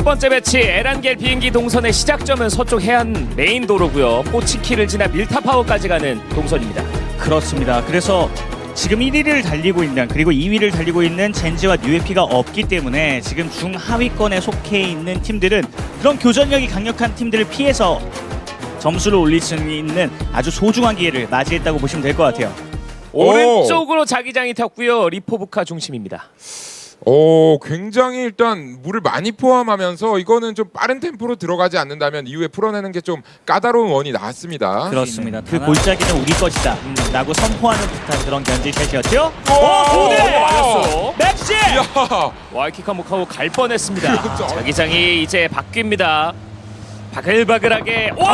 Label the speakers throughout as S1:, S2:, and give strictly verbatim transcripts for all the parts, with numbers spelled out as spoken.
S1: 번째 매치 에란겔 비행기 동선의 시작점은 서쪽 해안 메인 도로고요. 꼬치키를 지나 밀타파워까지 가는 동선입니다.
S2: 그렇습니다. 그래서 지금 일 위를 달리고 있는, 그리고 이 위를 달리고 있는 젠지와 뉴에피가 없기 때문에 지금 중하위권에 속해 있는 팀들은 그런 교전력이 강력한 팀들을 피해서 점수를 올릴 수 있는 아주 소중한 기회를 맞이했다고 보시면 될 것 같아요.
S1: 오른쪽으로 자기장이 탔고요. 리포브카 중심입니다.
S3: 오, 굉장히 일단 물을 많이 포함하면서 이거는 좀 빠른 템포로 들어가지 않는다면 이후에 풀어내는 게 좀 까다로운 원이 나왔습니다.
S2: 그렇습니다. 그 골짜기는 우리 것이다 음, 라고 선포하는 듯한 그런 견제샷이었죠.
S3: 오,
S2: 오, 두 대!
S1: 맞았어.
S2: 맥시!
S3: 이야,
S1: 와이킥 한번 하고 갈 뻔했습니다.
S3: 그렇죠.
S1: 자기장이 이제 바뀝니다. 바글바글하게. 오!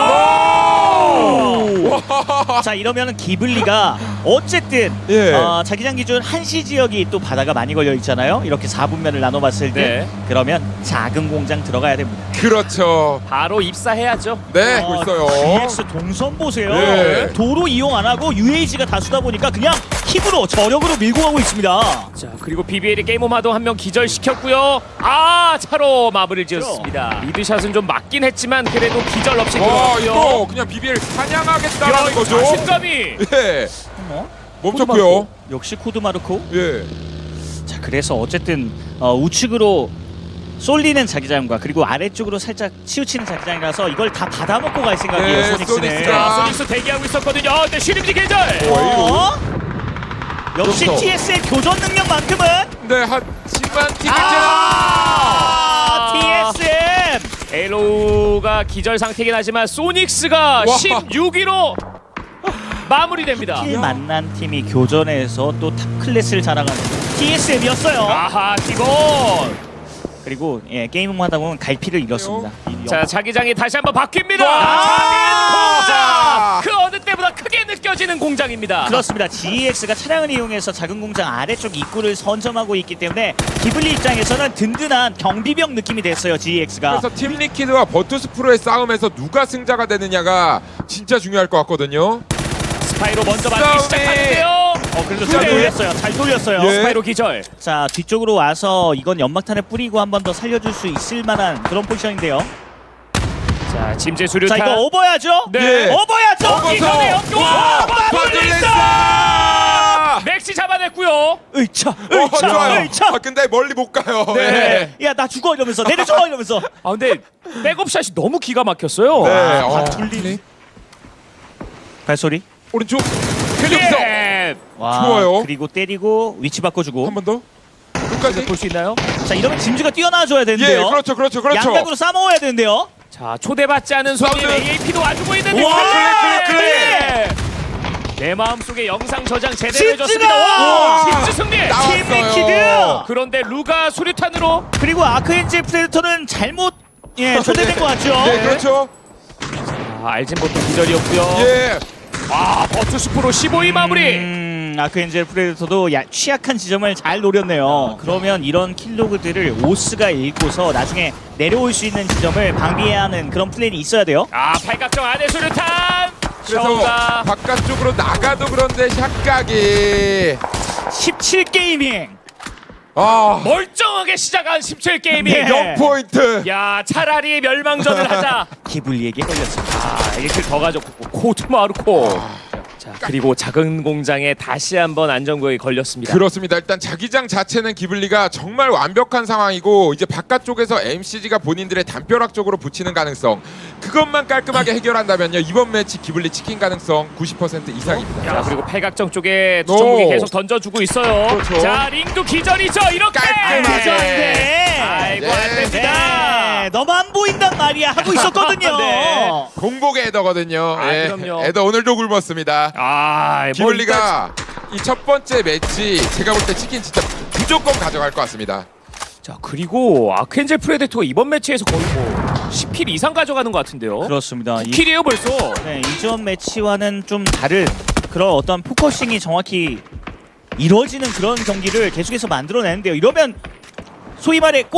S2: 자, 이러면은 기블리가 어쨌든
S3: 예.
S2: 어, 자기장 기준 한시 지역이 또 바다가 많이 걸려 있잖아요. 이렇게 사 분면을 나눠봤을 때
S1: 네.
S2: 그러면 작은 공장 들어가야 됩니다.
S3: 그렇죠.
S1: 바로 입사해야죠.
S3: 네,
S2: 어,
S3: 벌써요.
S2: 지엑스 동선 보세요.
S3: 네.
S2: 도로 이용 안 하고 유에이지가 다수다 보니까 그냥 힘으로 저력으로 밀고 가고 있습니다.
S1: 자, 그리고 비비엘이 게임 오마도 한 명 기절시켰고요. 아, 차로 마무리를 지었습니다. 리드샷은 좀 맞긴 했지만 그래도 기절 없이
S3: 와,
S1: 들어왔고요.
S3: 이거 그냥 비비엘 사냥하겠다라는
S1: 이거
S3: 거죠.
S1: 자신감이.
S3: 예,
S2: 어머?
S3: 멈췄고요.
S2: 역시 코드 마르코.
S3: 예.
S2: 자, 그래서 어쨌든 어, 우측으로 쏠리는 자기장과 그리고 아래쪽으로 살짝 치우치는 자기장이라서 이걸 다 받아먹고 갈 생각이에요.
S3: 네,
S2: 소닉스는.
S3: 소닉스가.
S1: 자, 소닉스 대기하고 있었거든요. 아, 근데 쉬림지 계절.
S2: 어? 역시
S3: 그렇죠.
S2: 티에스의 교전 능력만큼은
S3: 네, 하지만 팀이
S2: 아, 티에스엠
S1: 에로우가 기절 상태긴 하지만 소닉스가
S3: 와.
S1: 십육 위로 마무리됩니다.
S2: 킬 만난 팀이 교전에서 또 탑 클래스를 자랑하는 티에스엠이었어요.
S1: 아하, 기본.
S2: 그리고 예, 게임을 하다 보면 갈피를 잃었습니다. 이
S1: 자, 자기장이 다시 한번 바뀝니다.
S3: 와.
S1: 작은 공장. 그 어느 때보다 크게 느껴지는 공장입니다.
S2: 그렇습니다. 지이엑스가 차량을 이용해서 작은 공장 아래쪽 입구를 선점하고 있기 때문에 기블리 입장에서는 든든한 경비병 느낌이 됐어요. 지이엑스가.
S3: 그래서 팀 리퀴드와 버투스 프로의 싸움에서 누가 승자가 되느냐가 진짜 중요할 것 같거든요.
S1: 스파이로 먼저 맞기
S3: 싸움이-
S1: 시작하는데요.
S2: 어, 그래도 잘
S1: 네.
S2: 돌렸어요. 잘 돌렸어요.
S3: 예.
S1: 스파이로 기절.
S2: 자, 뒤쪽으로 와서 이건 연막탄을 뿌리고 한 번 더 살려줄 수 있을 만한 그런 포지션인데요.
S1: 자, 짐제
S2: 자,
S1: 수류탄.
S2: 이거 업어야죠.
S1: 네.
S3: 예.
S2: 업어야죠.
S3: 업어서.
S1: 이거네요. 와,
S3: 바툴레스!
S1: 맥시 잡아냈고요.
S2: 으차,
S3: 어,
S2: 으차,
S3: 좋아요.
S2: 으차.
S3: 아, 근데 멀리 못 가요.
S1: 네.
S2: 야, 나 죽어 이러면서 내려줘 이러면서.
S1: 아, 근데 백업샷이 너무 기가 막혔어요.
S3: 네.
S2: 아,
S3: 어,
S2: 바툴리. 발소리.
S3: 오른쪽
S1: 클립.
S2: 와,
S3: 좋아요.
S2: 그리고 때리고 위치 바꿔주고.
S3: 한 번 더. 끝까지.
S1: 볼 수 있나요?
S2: 자, 이러면 짐즈가 뛰어나줘야
S3: 예,
S2: 되는데요.
S3: 그렇죠, 그렇죠, 그렇죠.
S2: 양각으로 싸먹어야 되는데요.
S1: 자, 초대받지 않은 손님
S3: 사운드.
S1: 에이에이피도 와주고 있는데
S2: 와,
S1: 클립,
S3: 클립,
S1: 클립. 내 마음속에 영상 저장 제대로
S2: 진짜다!
S1: 해줬습니다. 와, 진짜 승리.
S3: 나왔어요.
S2: 팀리키드.
S1: 그런데 루가 수류탄으로.
S2: 그리고 아크엔젤 프레데터는 잘못 예 초대된 것 같죠.
S3: 네, 그렇죠.
S1: 아, 알진보트 기절이었고요.
S3: 예.
S1: 아, 버투스 프로 십오 위 마무리.
S2: 음, 아크엔젤 프레데터도 야, 취약한 지점을 잘 노렸네요. 그러면 이런 킬로그들을 오스가 읽고서 나중에 내려올 수 있는 지점을 방비해야 하는 그런 플랜이 있어야 돼요.
S1: 아, 팔각정 안에 수류탄.
S3: 그래서
S1: 셔우가
S3: 바깥쪽으로 나가도 그런데 샷각이
S2: 십칠 게이밍.
S3: 아,
S1: 멀쩡하게 시작한 십칠 게임이
S2: 네.
S3: 영 포인트.
S1: 야, 차라리 멸망전을 하자.
S2: 기블리에게 걸렸습니다.
S1: 아, 일 킬 더 가졌고 코트 마르코. 자, 그리고 작은 공장에 다시 한번 안전구역이 걸렸습니다.
S3: 그렇습니다. 일단 자기장 자체는 기블리가 정말 완벽한 상황이고 이제 바깥쪽에서 엠씨지가 본인들의 담벼락쪽으로 붙이는 가능성 그것만 깔끔하게 해결한다면요 이번 매치 기블리 치킨 가능성 구십 퍼센트 이상입니다.
S1: 자, 그리고 팔각정 쪽에
S3: 오.
S1: 투척무기 계속 던져주고 있어요.
S3: 그렇죠.
S1: 자, 링도 기절이죠. 이렇게.
S3: 깔끔하게.
S2: 네.
S1: 아이고,
S3: 네.
S1: 안 됩니다.
S2: 네, 너만 보인단 말이야 하고 있었거든요.
S1: 네.
S3: 공복의 에더거든요.
S1: 아,
S3: 예.
S1: 그럼요.
S3: 에더 오늘도 굶었습니다.
S1: 아, 뭐
S3: 기블리가 이 첫 번째 매치 제가 볼 때 치킨 진짜 무조건 가져갈 것 같습니다.
S1: 자, 그리고 아크엔젤 프레데터가 이번 매치에서 거의 뭐 십 킬 이상 가져가는 것 같은데요.
S2: 그렇습니다. 이-
S1: 킬이에요 벌써.
S2: 네, 이전 매치와는 좀 다른 그런 어떤 포커싱이 정확히 이루어지는 그런 경기를 계속해서 만들어내는데요. 이러면 소위 말해 꼴찌 탈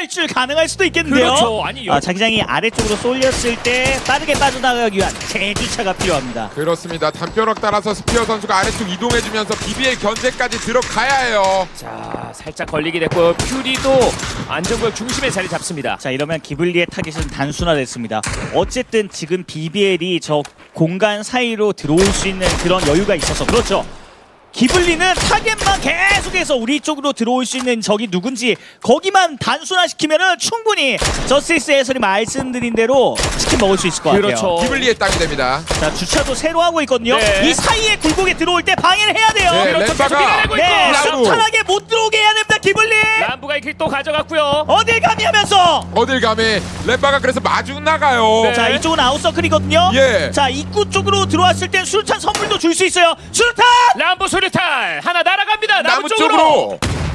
S2: 탈출 가능할 수도 있겠는데요.
S1: 그렇죠. 아니 여...
S2: 아, 자기장이 아래쪽으로 쏠렸을 때 빠르게 빠져나가기 위한 제주차가 필요합니다.
S3: 그렇습니다. 담벼락 따라서 스피어 선수가 아래쪽 이동해주면서 비비엘 견제까지 들어가야 해요.
S1: 자 살짝 걸리게 됐고요. 퓨리도 안전구역 중심에 자리 잡습니다.
S2: 자, 이러면 기블리의 타겟은 단순화됐습니다. 어쨌든 지금 비비엘이 저 공간 사이로 들어올 수 있는 그런 여유가 있어서 그렇죠. 기블리는 타겟만 계속해서 우리 쪽으로 들어올 수 있는 적이 누군지 거기만 단순화시키면은 충분히 저스티스 해설이 말씀드린 대로 치킨 먹을 수 있을 것 같아요.
S1: 그렇죠.
S3: 기블리의 땅이 됩니다.
S2: 자, 주차도 새로 하고 있거든요.
S1: 네.
S2: 이 사이에 굴곡에 들어올 때 방해를 해야 돼요.
S3: 네,
S1: 그렇죠. 계속
S3: 램바가-
S1: 밀어내고
S2: 네,
S1: 있고
S3: 람부.
S2: 순탄하게 못 들어오게 해야 됩니다. 기블리.
S1: 람부가 이 킬 또 가져갔고요.
S2: 어딜 감히 하면서.
S3: 어딜 감히 램바가 그래서 마주 나가요.
S1: 네.
S2: 자, 이쪽은 아웃서클이거든요.
S3: 예.
S2: 자, 입구 쪽으로 들어왔을 땐 수류탄 선물도 줄 수 있어요. 수류탄!
S1: 람부 수류탄 하나 날아갑니다. 나무,
S3: 나무
S1: 쪽으로.
S3: 쪽으로.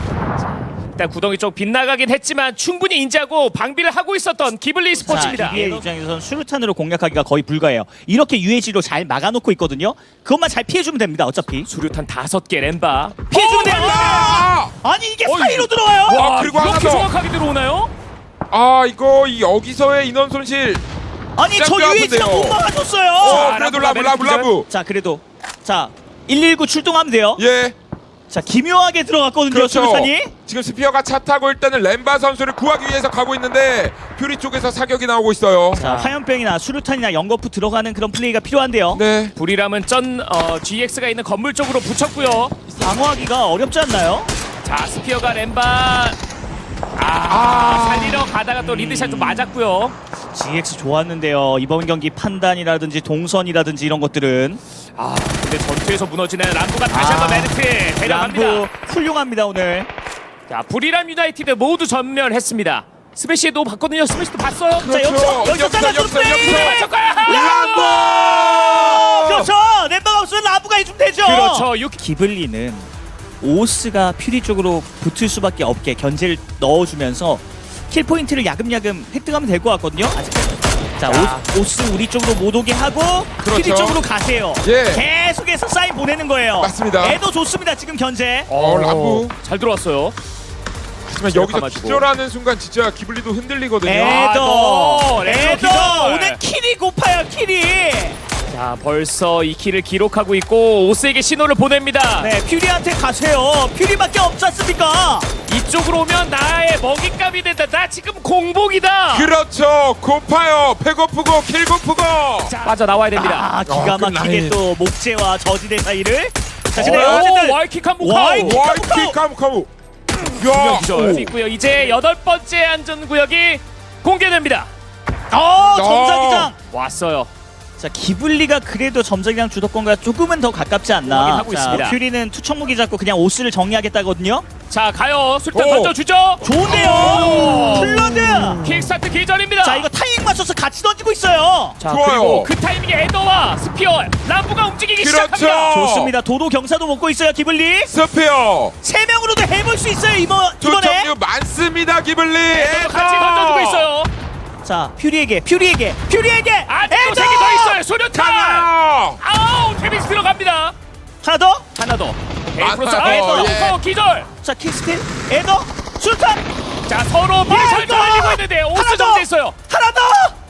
S1: 일단 구덩이 쪽 빗나가긴 했지만 충분히 인지하고 방비를 하고 있었던 기블리 스포츠입니다.
S2: 자, 비비엘 입장에서는 수류탄으로 공략하기가 거의 불가해요. 이렇게 유에이지로 잘 막아놓고 있거든요. 그것만 잘 피해주면 됩니다. 어차피.
S1: 수류탄 다섯 개 램바.
S2: 피해주면 돼요.
S3: 아!
S2: 아니 이게
S1: 어이.
S2: 사이로 들어와요.
S3: 와, 그리고 하나
S1: 이렇게
S3: 더.
S1: 정확하게 들어오나요?
S3: 아 이거 이 여기서의 인원 손실.
S2: 아니 저
S3: 진짜
S2: 유에이지가
S3: 아픈데요.
S2: 못 막아줬어요.
S3: 어,
S1: 자,
S3: 그래도
S1: 라브,
S3: 라브 라브 라브.
S2: 자, 그래도 자 일일구 출동하면 돼요.
S3: 예.
S2: 자, 기묘하게 들어갔거든요.
S3: 그렇죠.
S2: 수류탄이.
S3: 지금 스피어가 차 타고 일단은 램바 선수를 구하기 위해서 가고 있는데 퓨리 쪽에서 사격이 나오고 있어요.
S2: 자, 화염병이나 수류탄이나 연거푸 들어가는 그런 플레이가 필요한데요.
S3: 네.
S1: 불이람은 전 어, 지엑스가 있는 건물 쪽으로 붙였고요.
S2: 방어하기가 어렵지 않나요?
S1: 자 스피어가 램바 아,
S3: 아.
S1: 살리러 가다가 또 리드샷 좀 맞았고요.
S2: 지엑스 좋았는데요. 이번 경기 판단이라든지 동선이라든지 이런 것들은
S1: 아 근데 전투에서 무너지는 람부가 다시
S2: 아,
S1: 한번 메르트 데려갑니다.
S2: 람부 훌륭합니다 오늘.
S1: 자 불이람 유나이티드 모두 전멸했습니다. 스매시도 봤거든요. 스매시도 봤어요.
S2: 자, 여기서 여기서
S3: 여기서,
S2: 잘라주는
S3: 여기서,
S2: 플레이.
S3: 여기서.
S1: 맞을 거야.
S3: 람보!
S2: 그렇죠. 램바가 없으면 라부가 해주면 되죠.
S1: 그렇죠. 육
S2: 기블리는 오스가 퓨리 쪽으로 붙을 수밖에 없게 견제를 넣어주면서 킬 포인트를 야금야금 획득하면 될 것 같거든요. 아직. 자,
S1: 자.
S2: 오, 오스 우리 쪽으로 못 오게 하고
S3: 그렇죠.
S2: 퓨리 쪽으로 가세요.
S3: 예.
S2: 계속해서 사인 보내는 거예요.
S3: 맞습니다.
S2: 애도 좋습니다 지금 견제.
S3: 어, 람부.
S1: 잘 들어왔어요.
S3: 하지만
S1: 기절
S3: 여기서
S1: 감아주고.
S3: 기절하는 순간 진짜 기블리도 흔들리거든요.
S1: 아,
S2: 애도
S1: 또 램보
S2: 애도
S1: 기절.
S2: 오늘 킬이 고파요 킬이.
S1: 자 벌써 이 킬을 기록하고 있고 오스에게 신호를 보냅니다.
S2: 네, 퓨리한테 가세요. 퓨리밖에 없지 않습니까?
S1: 이쪽으로 오면 나의 먹잇감이 된다. 나 지금 공복이다.
S3: 그렇죠. 고파요. 배고프고 킬 고프고.
S1: 자, 빠져나와야 됩니다.
S2: 아, 기가
S3: 어,
S2: 막히게
S3: 끝나네.
S2: 또 목재와 저지대 사이를. 자, 근데
S1: 오,
S2: 어쨌든
S1: 와이킥한 목하우.
S2: 와이킥.
S3: 와이킥 카무카무.
S1: 두명
S3: 야.
S1: 기절 수 있고요. 이제 여덟 번째 안전구역이 공개됩니다.
S2: 어, 점자기장.
S1: 왔어요.
S2: 자, 기블리가 그래도 점자기장 주도권과 조금은 더 가깝지 않나.
S1: 확인하고
S2: 자,
S1: 있습니다.
S2: 퓨리는 투척무기 잡고 그냥 오스를 정리하겠다거든요.
S1: 자 가요. 술탄
S3: 오.
S1: 던져주죠.
S2: 좋은데요.
S1: 오.
S2: 플러드.
S1: 킥스타트 기절입니다.
S2: 자, 이거 타이밍 맞춰서 같이 던지고 있어요.
S1: 자
S3: 좋아요.
S1: 그리고 그 타이밍에 에더와 스피어 람부가 움직이기
S3: 그렇죠.
S1: 시작합니다.
S2: 좋습니다. 도도 경사도 먹고 있어요, 기블리.
S3: 스피어.
S2: 세 명으로도 해볼 수 있어요, 이번 이번에.
S3: 투척류 많습니다. 기블리.
S1: 에더 같이 던져주고 있어요.
S2: 자, 퓨리에게, 퓨리에게, 퓨리에게.
S1: 아직도
S2: 에더!
S1: 세 개 더 있어요. 소련탄.
S3: 가나.
S1: 아우 케빈스 들어갑니다.
S2: 하나 더.
S1: 하나 더. 에이프로스
S3: 아,
S1: 에더
S3: 어, 예.
S1: 예. 기절.
S2: 자, 킥스핀. 에더. 술탄.
S1: 자 서로 비살
S2: 에더!
S1: 달리고 있는데
S2: 하나
S1: 오스
S2: 더!
S1: 정지했어요.
S2: 하나 더.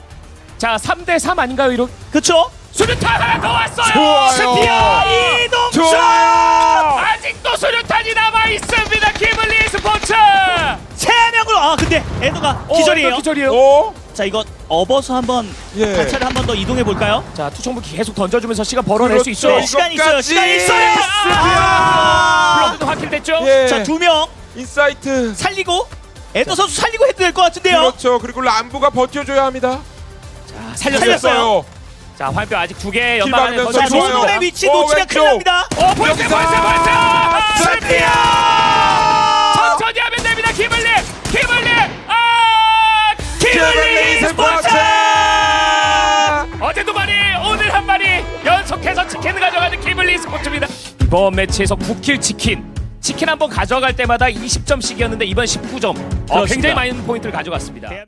S1: 자 삼 대 삼 아닌가요 이런?
S2: 그쵸?
S1: 수류탄 하나 더 왔어요.
S3: 좋아요.
S2: 스피어 이동선.
S3: 좋아요.
S1: 아직도 수류탄이 남아 있습니다. 기블리 스포츠.
S2: 세 명으로. 아, 근데 에더가
S1: 어,
S2: 기절이에요.
S1: 에더 기절이에요.
S3: 오.
S2: 자, 이거 업어서 한번
S3: 예.
S2: 가차를 한번 더 이동해 볼까요?
S1: 자 투척무기 계속 던져주면서 시간 벌어낼 수
S3: 그렇죠.
S1: 있죠.
S3: 이거-
S2: 시간 있어요.
S3: 이것까지.
S2: 시간 있어요. 아!
S1: 블러드도 확인됐죠.
S3: 예.
S2: 자, 두 명
S3: 인사이트.
S2: 살리고 에더 선수 살리고 해도 될 것 같은데요.
S3: 그렇죠. 그리고 람부가 버텨줘야 합니다.
S2: 살렸어요.
S1: 자 화염병 아직 두 개
S3: 킬
S1: 연방 안에
S3: 막으면서
S2: 자,
S3: 좋아요.
S1: 던져주고
S2: 로몬의 위치
S3: 어,
S2: 놓치면
S3: 왼쪽.
S2: 큰일 납니다.
S1: 어 벌써
S3: 여기서
S1: 벌써 벌써
S3: 스피어.
S1: 천천히 하면 됩니다. 기블리 기블리 아
S3: 기블리 스포츠.
S1: 어제 두 마리 오늘 한 마리 연속해서 치킨을 가져가는 기블리 스포츠입니다. 이번 매치에서 구 킬 치킨 치킨 한 번 가져갈 때마다 이십 점씩이었는데 이번 십구 점 어,
S2: 그렇습니다.
S1: 굉장히 많은 포인트를 가져갔습니다.